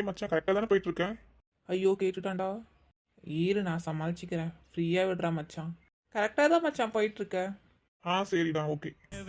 டேய் மச்சான் கரெக்டாக தானே போயிட்டு இருக்கேன். ஐயோ கேட்டுட்டான்டா. ஈரு நான் சமாளிச்சுக்கிறேன், ஃப்ரீயாக விடுறா மச்சான். கரெக்டாக தான் மச்சான் போயிட்டுருக்க. சரிடா ஓகே.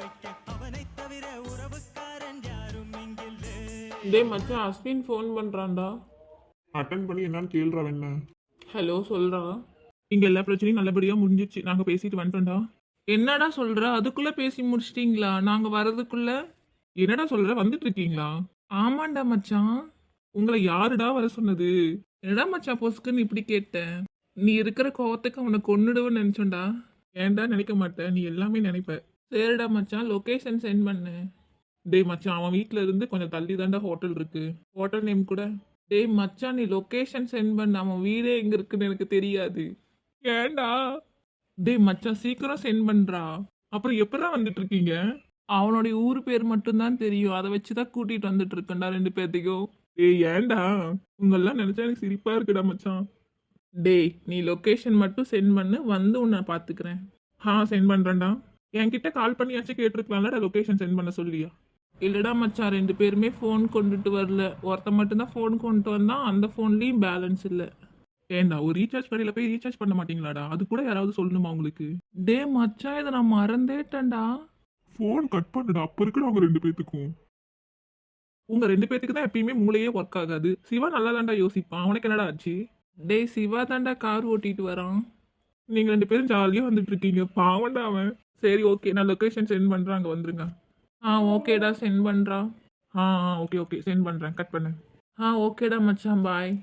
டேய் மச்சான் அஸ்வின் ஃபோன் பண்ணுறான்டா. அட்டன் பண்ணி என்னன்னு கேள்றா என்ன. ஹலோ சொல்கிறா. இங்கே எல்லா பிரச்சனையும் நல்லபடியாக முடிஞ்சிச்சு, நாங்கள் பேசிட்டு வந்துட்டோம்டா. என்னடா சொல்கிற, அதுக்குள்ளே பேசி முடிச்சிட்டிங்களா? நாங்கள் வர்றதுக்குள்ளே என்னடா சொல்கிற, வந்துட்டு இருக்கீங்களா? ஆமாண்டா மச்சான். உங்களை யாருடா வர சொன்னது? என்னடா மச்சான் பொசுக்குன்னு இப்படி கேட்டேன்? நீ இருக்கிற கோவத்துக்கு அவனை கொன்னுடுவேன்னு நினச்சோண்டா. ஏன்டா நினைக்க மாட்டேன், நீ எல்லாமே நினைப்ப. சரிடா மச்சான் லொக்கேஷன் சென்ட் பண்ணு. டேய் மச்சான் அவன் வீட்டில் இருந்து கொஞ்சம் தள்ளி தாண்டா ஹோட்டல் இருக்கு, ஹோட்டல் நேம் கூட. டேய் மச்சான் நீ லொக்கேஷன் சென்ட் பண்ண, அவன் வீடே எங்கே இருக்குன்னு எனக்கு தெரியாது. ஏன்டா? டேய் மச்சான் சீக்கிரம் சென்ட் பண்ணுறா. அப்புறம் எப்படா வந்துட்டு இருக்கீங்க? அவனுடைய ஊர் பேர் மட்டும்தான் தெரியும், அதை வச்சு தான் கூட்டிகிட்டு வந்துட்டு இருக்கேன்டா 2 பேர்த்தையும். டேய் ஏன்டா? உங்களெல்லாம் நினச்சா எனக்கு சிரிப்பாக இருக்குடா மச்சான். டேய் நீ லொக்கேஷன் மட்டும் சென்ட் பண்ணு, வந்து உன்னை பார்த்துக்கிறேன். சென்ட் பண்ணுறேன்டா. என்கிட்ட கால் பண்ணியாச்சும் கேட்டிருக்கலாம்லடா லொக்கேஷன் சென்ட் பண்ண சொல்லியா? இல்லைடா மச்சான் 2 பேருமே ஃபோன் கொண்டுட்டு வரல, ஒருத்த மட்டும்தான் ஃபோன் கொண்டுட்டு வந்தான், அந்த ஃபோன்லேயும் பேலன்ஸ் இல்லை. ஏண்டா ஒரு ரீசார்ஜ் கடையில் போய் ரீசார்ஜ் பண்ண மாட்டீங்களாடா? அது கூட யாராவது சொல்லணுமா உங்களுக்கு? டே மச்சான் இதை நான் மறந்தேட்டேன்டா. ஃபோன் கட் பண்ணுடா, அப்போ இருக்குடா அவங்க 2 பேத்துக்கும். உங்க 2 பேத்துக்கு தான் எப்பயுமே மூளையே ஒர்க் ஆகாது. சிவா நல்லா தாண்டா யோசிப்பான், அவனுக்கு என்னடா ஆச்சு? டேய் சிவா தாண்டா கார் ஓட்டிட்டு வரான். நீங்க 2 பேரும் ஜாலியாக வந்துட்டு இருக்கீங்க, பாவண்டா அவன். சரி ஓகே நான் லொக்கேஷன் சென்ட் பண்ணுறேன், அங்கே வந்துருங்க. ஓகேடா சென்ட் பண்ணுறா. ஓகே ஓகே சென்ட் பண்ணுறேன், கட் பண்ணு. ஓகேடா மச்சான் பாய்.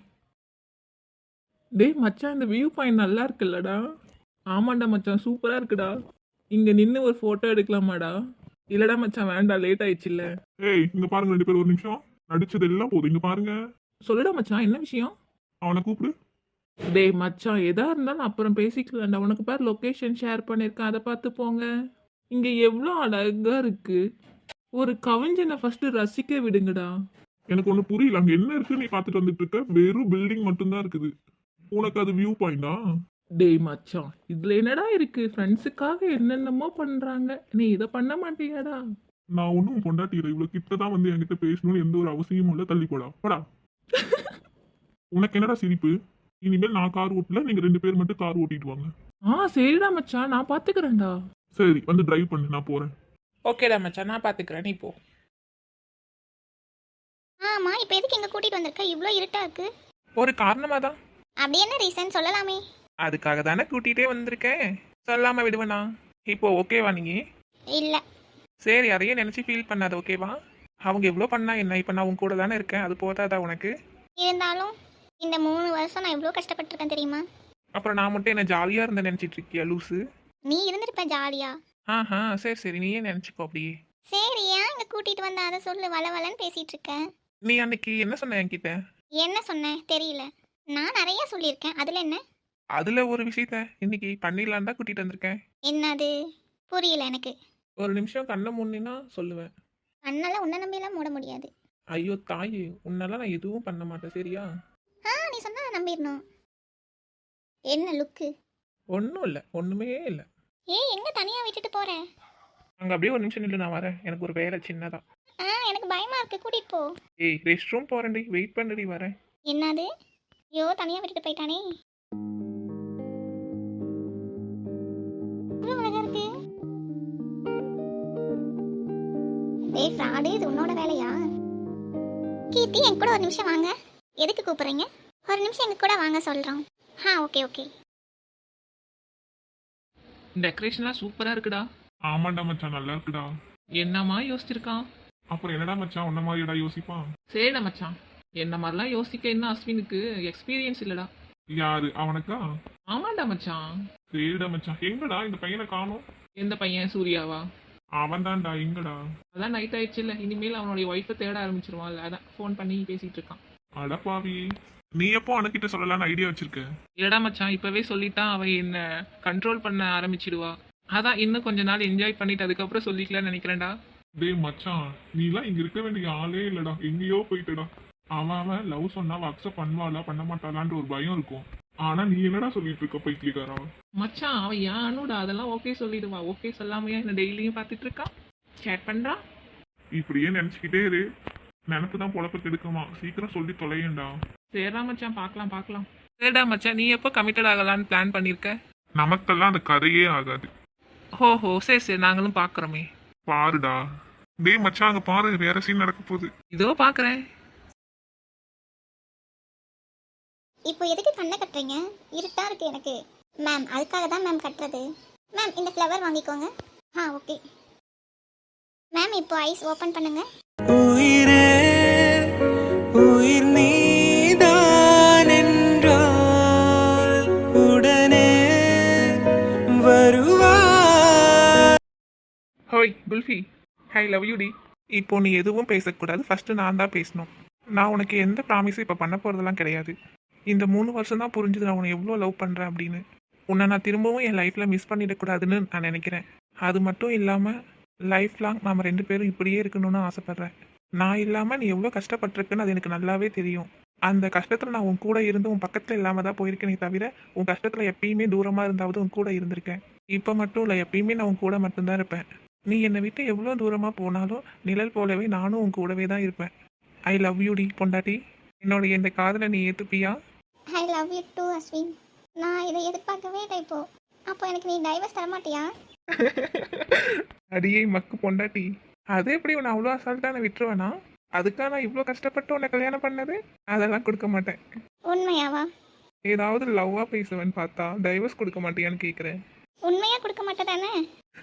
டேய் மச்சான் இந்த வியூ பாயிண்ட் நல்லா இருக்குல்லடா? ஆமாண்டா மச்சான் சூப்பராக இருக்குடா. இங்கே நின்று ஒரு ஃபோட்டோ எடுக்கலாமாடா? இல்லடா மச்சான் வேண்டாம், லேட் ஆயிடுச்சுல்ல. ஏய் இங்க பாருங்க 2 பேர் ஒரு நிமிஷம். நடிச்சது எல்லாம் போதும், இங்க பாருங்க. சொல்லுடா மச்சான் என்ன விஷயம்? அவனை கூப்பிடு. டேய் மச்சான் எதா இருந்தாலும் அப்புறம் பேசிக்கலாம்டா. உனக்கு பேர் லொக்கேஷன் ஷேர் பண்ணியிருக்கேன், அதை பார்த்து போங்க. இங்கே எவ்வளோ அழகா இருக்கு. ஒரு கவிஞனை ஃபர்ஸ்ட் ரசிக்க விடுங்கடா. எனக்கு ஒண்ணு புரியல, அங்க என்ன இருக்கு நீ பார்த்துட்டு வந்துட்டு இருக்க? வெறும் பில்டிங் மட்டும்தான் இருக்குது, உனக்கு அது வியூ பாயிண்டா? டேய் மச்சான் இதுல என்னடா இருக்கு? ஃப்ரெண்ட்ஸுக்காக என்னென்னமோ பண்றாங்க, நீ இதை பண்ண மாட்டியாடா? நான் ஒன்றும் பொண்டாட்டியில இவ்வளவு கிட்டதான் வந்து என்கிட்ட பேசணும்னு எந்த ஒரு அவசியமும் இல்லை, தள்ளி போடா போடா. உனக்கு என்னடா சிரிப்பு? இனிமேல் நான் கார் ஓட்டல, நீங்க 2 பேர் மட்டும் கார் ஓட்டிட்டு வாங்க. சரிடா மச்சான் நான் பாத்துக்கிறேன்டா. சரி வந்து டிரைவ் பண்ணு, நான் போறேன். ஓகேடா மச்சான் நான் பாத்துக்கிறேன், நீ போ. ஆமா இப்போ எதுக்கு எங்க கூட்டிட்டு வந்திருக்க? இவ்ளோ இருட்டா இருக்கு. ஒரு காரணமா தான். அப்படி என்ன ரீசன் சொல்லலாமே? அதுக்காக தானே கூட்டிகிட்டே வந்திருக்கேன், சொல்லாமல் விடுவேண்ணா. இப்போ ஓகேவா நீ? இல்ல. சரி அதையே நினச்சி ஃபீல் பண்ணாத, ஓகேவா? அவங்க எவ்வளோ பண்ணா என்ன, இப்போ நான் உங்க கூட தானே இருக்கேன், அது போதாதா உனக்கு? இருந்தாலும் இந்த 3 வருஷம் நான் இவ்ளோ கஷ்டப்பட்டிருக்கேன் தெரியுமா? அப்புறம் நான் மட்டும் என்ன ஜாலியாக இருந்தேன் நினச்சிட்டு இருக்கியா லூஸு? நீ இருந்திருப்ப ஜாலியா. சரி சரி நீயே நினச்சிக்கோ அப்படியே. சரி ஏன் இங்க கூட்டிட்டு வந்த அதை சொல்லு, வளவலன்னு பேசிட்டு இருக்க. நீ அன்னைக்கு என்ன சொன்ன என்கிட்ட? என்ன சொன்னேன் தெரியல, நான் நிறைய சொல்லியிருக்கேன், அதுல என்ன? அதில் ஒரு விஷயத்த இன்னைக்கு பண்ணிடலான் தான் கூட்டிகிட்டு வந்திருக்கேன். என்னது? புரியல எனக்கு. ஒரு நிமிஷம் கண்ணை மூடினா சொல்லுவேன். கண்ணெல்லாம் உன்னை நம்பியெல்லாம் மூட முடியாது. ஐயோ தாயே, உன்னெல்லாம் நான் எதுவும் பண்ண மாட்டேன் சரியா? நீ சொன்னா நான் நம்பிடணும். என்ன லுக்கு? ஒன்றும் இல்லை, ஒன்றுமே இல்லை. எங்க தனியா விட்டுட்டு போற? அங்கே அப்படியே ஒரு நிமிஷம் நில்லு, நான் வரேன், எனக்கு ஒரு வேலை சின்னதா. எனக்கு பயமா இருக்கு, கூட்டிட்டு போ. ரெஸ்ட் ரூம் போகிறேன்டி, வெயிட் பண்ணுடி வரேன். என்னது? ஐயோ தனியா விட்டுட்டு போயிட்டானே. இவ்வளவு அழகா இருக்கு. டேய் ஃப்ராடு, இது உன்னோட வேலையா? கீர்த்தி என் கூட ஒரு நிமிஷம் வாங்க. எதுக்கு கூப்பிடுறீங்க? ஒரு நிமிஷம் எங்க கூட வாங்க சொல்றோம். Okay okay. டெக்கரேஷன்லாம் சூப்பராக இருக்குடா. ஆமாண்டா மச்சான் நல்லா இருக்குடா. என்னம்மா யோசிச்சிருக்கான்? அப்புறம் என்னடா மச்சான் உன்ன மாதிரிடா யோசிப்பான்? சரிடா மச்சான், என்ன மாதிரிலாம் யோசிக்க என்ன அஸ்வினுக்கு எக்ஸ்பீரியன்ஸ் இல்லைடா. யாரு அவனுக்கா? ஆமாண்டா மச்சான். சரிடா மச்சான், எங்கடா இந்த பையனை காணோம்? எந்த பையன்? சூர்யாவா? அவன் தான்டா, எங்கடா? அதான் நைட் ஆயிடுச்சு இல்லை, இனிமேல் அவனுடைய ஒய்ஃபை தேட ஆரம்பிச்சிருவான்ல, அதான் ஃபோன் பண்ணி பேசிட்டு இருக்கான். அடப்பாவி, நீ எப்போ அனுக்கிட்ட சொல்லலான்னு ஐடியா வச்சிருக்க? இல்லடா மச்சான் இப்பவே சொல்லிட்டான், அவ என்ன கண்ட்ரோல் பண்ண ஆரம்பிச்சிடுவா. அதான் இன்னும் கொஞ்ச நாள் என்ஜாய் பண்ணிட்டு அதுக்கப்புறம் சொல்லிக்கலாம்னு நினைக்கிறேன்டா. டேய் மச்சான், நீலாம் இங்க இருக்க வேண்டிய ஆளே இல்லடா, எங்கேயோ போயிட்டடா. அவன் லவ் சொன்னா அக்செப்ட் பண்ணுவாளா பண்ண மாட்டாளான்ற ஒரு பயம் இருக்கும். ஆனா நீ என்னடா சொல்லிட்டு இருக்க பைத்தியக்காரா? மச்சான் அவன் யானோட அதெல்லாம் ஓகே சொல்லிடுவா, ஓகே சொல்லாமையா என்ன டெய்லியும் பார்த்துட்டு இருக்கான், சேட் பண்றான். இப்படியே நினைச்சுக்கிட்டே இரு, நினப்பு தான் பொழப்ப கெடுக்குமா, சீக்கிரம் சொல்லி தொலையேண்டா. சரிடா மச்சான், பார்க்கலாம் பார்க்கலாம். சரிடா மச்சான், நீ எப்போ கமிட்டட் ஆகலான்னு பிளான் பண்ணியிருக்க? நமக்கெல்லாம் அந்த கதையே ஆகாது. ஹோஹோ, சரி சரி, நாங்களும் பார்க்குறோமே. பாருடா. டேய் மச்சான், அங்க பாரு, வேற சீன் நடக்க போகுது. இதோ பார்க்குறேன். இப்போ எதுக்கு கண்ணை கட்டுறீங்க? இருட்டா இருக்கு எனக்கு. மேம், அதுக்காக தான் மேம் கட்டுறது. மேம், இந்த ஃப்ளவர் வாங்கிக்கோங்க. Okay ma'am. இப்போ ஐஸ் ஓப்பன் பண்ணுங்க. உயிரே உயிர் நீதான் என்றால் உடனே வருவா. ஹோய் குல்ஃபி, ஐ லவ் யூ டி. இப்போ நீ எதுவும் பேசக்கூடாது, ஃபர்ஸ்ட் நான் தான் பேசணும். நான் உனக்கு எந்த ப்ராமிஸும் இப்போ பண்ண போகிறதெல்லாம் கிடையாது. இந்த 3 வருஷம் தான் புரிஞ்சுது நான் உன்னை எவ்வளோ லவ் பண்ணுறேன் அப்படின்னு. உன்னை நான் திரும்பவும் என் லைஃப்பில் மிஸ் பண்ணிடக்கூடாதுன்னு நான் நினைக்கிறேன். அது மட்டும் இல்லாமல் லைஃப் லாங் நாம் 2 பேரும் இப்படியே இருக்கணும்னு ஆசைப்பட்றேன். நான் இல்லாமல் நீ எவ்வளோ கஷ்டப்பட்டிருக்குன்னு அது எனக்கு நல்லாவே தெரியும். அந்த கஷ்டத்தில் நான் உன் கூட இருந்து உன் பக்கத்தில் இல்லாமல் தான் போயிருக்கேனே தவிர உன் கஷ்டத்தில் எப்பயுமே தூரமாக இருந்தாவது உன் கூட இருந்திருக்கேன். இப்போ மட்டும் இல்லை, எப்பயுமே நான் உன் கூட மட்டும்தான் இருப்பேன். நீ என்னை விட்டு எவ்வளோ தூரமாக போனாலும் நிழல் போலவே நானும் உன் கூடவே தான் இருப்பேன். ஐ லவ் யூ டி பொண்டாட்டி. என்னோட இந்த காதலை நீ ஏற்றுப்பியா? I love you too Ashwin. நான் இதை எதிர்பார்க்கவே இல்லை. அப்போ எனக்கு நீ டைவர்ஸ் தர மாட்டியா? அடியே மக்கு பொண்டாட்டி, அது எப்படி உன்னை அவ்வளோ அசால்ட்டாக நான் விட்டுருவேனா? அதுக்காக நான் இவ்வளோ கஷ்டப்பட்டு உன்னை கல்யாணம் பண்ணது? அதெல்லாம் கொடுக்க மாட்டேன். உண்மையாவா? ஏதாவது லவ்வாக பேசுவேன்னு பார்த்தா டைவர்ஸ் கொடுக்க மாட்டியான்னு கேட்குறேன். உண்மையா கொடுக்க மாட்டேதானே?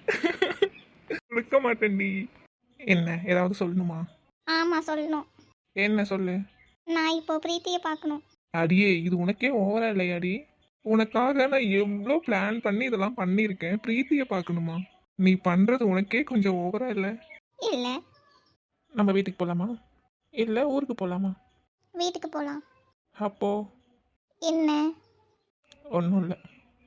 கொடுக்க மாட்டேன்டி. என்ன ஏதாவது சொல்லணுமா? ஆமாம், சொல்லணும். என்ன சொல்லு. நான் இப்போ பிரீத்தியை பார்க்கணும். அடியே, இது உனக்கே ஓவரா இல்லையாடி? உனக்காக நான் எவ்வளோ பிளான் பண்ணி இதெல்லாம் பண்ணியிருக்கேன். பிரீத்தியை பார்க்கணுமா? நீ பண்ணுறது உனக்கே கொஞ்சம் ஓவரா இல்லை? இல்லை. நம்ம வீட்டுக்கு போகலாமா இல்லை ஊருக்கு போகலாமா? வீட்டுக்கு போகலாம். அப்போ என்ன? ஒன்றும் இல்லை.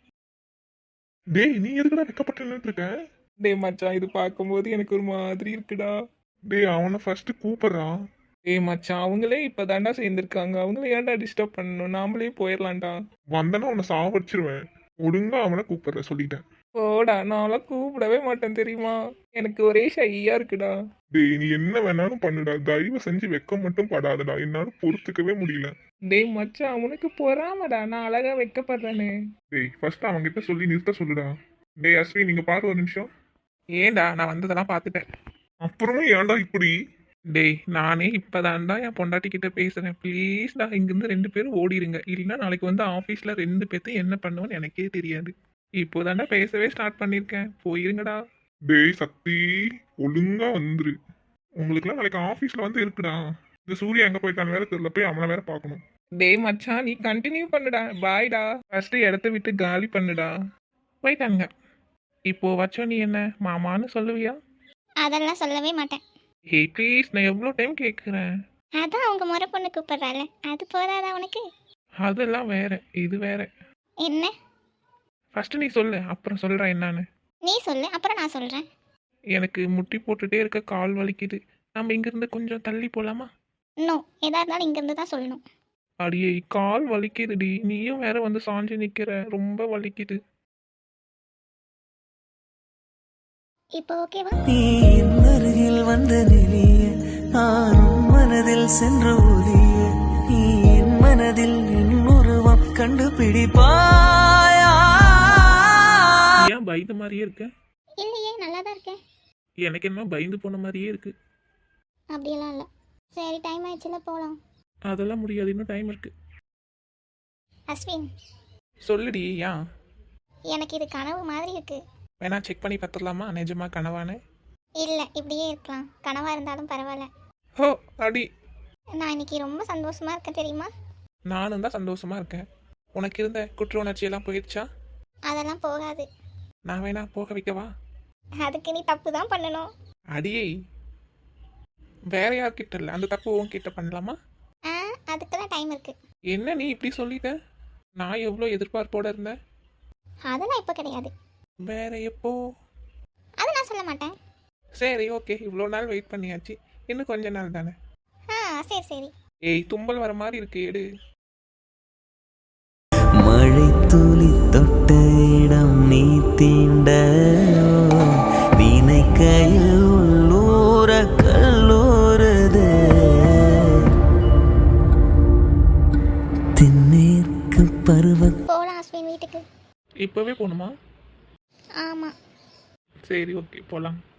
டேய், நீ எதுக்குடா வெக்கப்பட்டு நின்னுட்டு இருக்க? டே மச்சான், இது பார்க்கும்போது எனக்கு ஒரு மாதிரி இருக்குடா. டேய், அவனை ஃபர்ஸ்ட் கூப்பிடுறான். ஏய் மச்சான், அவங்களே இப்போ தாண்டா சேர்ந்துருக்காங்க. அவங்கள ஏன்டா டிஸ்டர்ப் பண்ணணும்? நாமளே போயிடலாம்டா. வந்தனா உன்னை சாவடிச்சிருவேன். ஒழுங்கா அவனை கூப்பிடுற சொல்லிட்டேன். போடா, நான்லாம் கூப்பிடவே மாட்டேன் தெரியுமா? எனக்கு ஒரே ஷையா இருக்குடா. டேய், நீ என்ன வேணாலும் பண்ணுடா, தயவு செஞ்சு வெக்கம் மட்டும் படாதடா, என்னால பொறுத்துக்கவே முடியல. டேய் மச்சான், அவனுக்கு பொறாமடா, நான் அழகா வைக்கப்படுறேனே. டேய், ஃபர்ஸ்ட் அவன்கிட்ட சொல்லி நிறுத்த சொல்லுடா. டேய் அஸ்வி, நீங்க பாரு ஒரு நிமிஷம். ஏன்டா, நான் வந்ததெல்லாம் பார்த்துட்டேன். அப்புறமே ஏன்டா இப்படி? டேய், நானே இப்போதான்டா என் பொண்டாட்டி கிட்ட பேசுறேன். ப்ளீஸ்டா, இங்கிருந்து 2 பேரும் ஓடிடுங்க. இல்லைன்னா நாளைக்கு வந்து ஆஃபீஸில் 2 பேர்த்தையும் என்ன பண்ணுவேன்னு எனக்கே தெரியாது. இப்போதாண்டா பேசவே ஸ்டார்ட் பண்ணியிருக்கேன். போயிருங்கடா. டேய் சக்தி, ஒழுங்கா வந்துரு. உங்களுக்குலாம் நாளைக்கு ஆஃபீஸ்ல வந்து இருக்குடா. இந்த சூர்யா எங்க போயிட்டான்னு வேற தெரியல, போய் அவனை வேற பார்க்கணும். டேய் மச்சான், நீ கண்டினியூ பண்ணுடா. பாய்டா. ஃபர்ஸ்ட் இடத்த விட்டு காலி பண்ணுடா. போயிட்டாங்க. இப்போ வச்சோ நீ என்ன மாமான்னு சொல்லுவியா? அதெல்லாம் சொல்லவே மாட்டேன். ஹே ப்ளீஸ், நான் எவ்வளோ டைம் கேட்குறேன். அதான் அவங்க முறை பொண்ணு கூப்பிடுறாள், அது போதாதா உனக்கு? அதெல்லாம் வேற, இது வேற. என்ன? ஃபர்ஸ்ட் நீ சொல்லு, அப்புறம் சொல்கிறேன் என்னன்னு. நீ சொல்லு, அப்புறம் நான் சொல்கிறேன். எனக்கு முட்டி போட்டுட்டே இருக்க, கால் வலிக்குது. நம்ம இங்கிருந்து கொஞ்சம் தள்ளி போகலாமா? நோ, எதா இருந்தாலும் இங்கேருந்து தான் சொல்லணும். அடியே, கால் வலிக்குதுடி. நீயும் வேற வந்து சாஞ்சு நிற்கிற, ரொம்ப வலிக்குது. இப்போ ஓகேவா? நீ என் அருகில் வந்த நிலைய நானும் மனதில் சென்று ஒலிய நீ என் மனதில் என் உருவம் கண்டுபிடிப்பாயா? ஏன் பயந்த மாதிரியே இருக்க? இல்லையே, நல்லா தான் இருக்கேன். எனக்கு என்ன பயந்து போன மாதிரியே இருக்கு. அப்படியெல்லாம் இல்லை. சரி, டைம் ஆயிடுச்சுல, போகலாம். அதெல்லாம் முடியாது, இன்னும் டைம் இருக்கு. அஸ்வின், சொல்லுடி. ஏன்? எனக்கு இது கனவு மாதிரி இருக்கு. வேணா செக் பண்ணி பார்த்துடலாமா நிஜமா கனவானு? இல்லை, இப்படியே இருக்கலாம். கனவாக இருந்தாலும் பரவாயில்ல. ஹோ அடி, நான் இன்னைக்கு ரொம்ப சந்தோஷமா இருக்கேன் தெரியுமா? நானும் தான் சந்தோஷமா இருக்கேன். உனக்கு இருந்த குற்ற உணர்ச்சியெல்லாம் போயிடுச்சா? அதெல்லாம் போகாது. நான் வேணா போக வைக்கவா? அதுக்கு நீ தப்பு தான் பண்ணணும். அடியே, வேற யார்கிட்ட இல்லை, அந்த தப்பு உன்கிட்ட பண்ணலாமா? அதுக்கெல்லாம் டைம் இருக்கு. என்ன நீ இப்படி சொல்லிட்ட? நான் எவ்வளோ எதிர்பார்ப்போட இருந்தேன். அதெல்லாம் இப்போ கிடையாது. வேற எப்போ? அதை நான் சொல்ல மாட்டேன். சரி ஓகே, இவ்வளோ நாள் வெயிட் பண்ணியாச்சு, இன்னும் கொஞ்ச நாள் தானே. சரி சரி. ஏய், தும்பல் வர மாதிரி இருக்கு, எடு. மழை துளி தொட்ட இடம் நீ தீண்ட நினைக்கையில் உள்ளூர கல்லூரது பருவ போகலாம் அஸ்வின் வீட்டுக்கு. இப்போவே போகணுமா? ஆமாம். சரி ஓகே போகலாம்.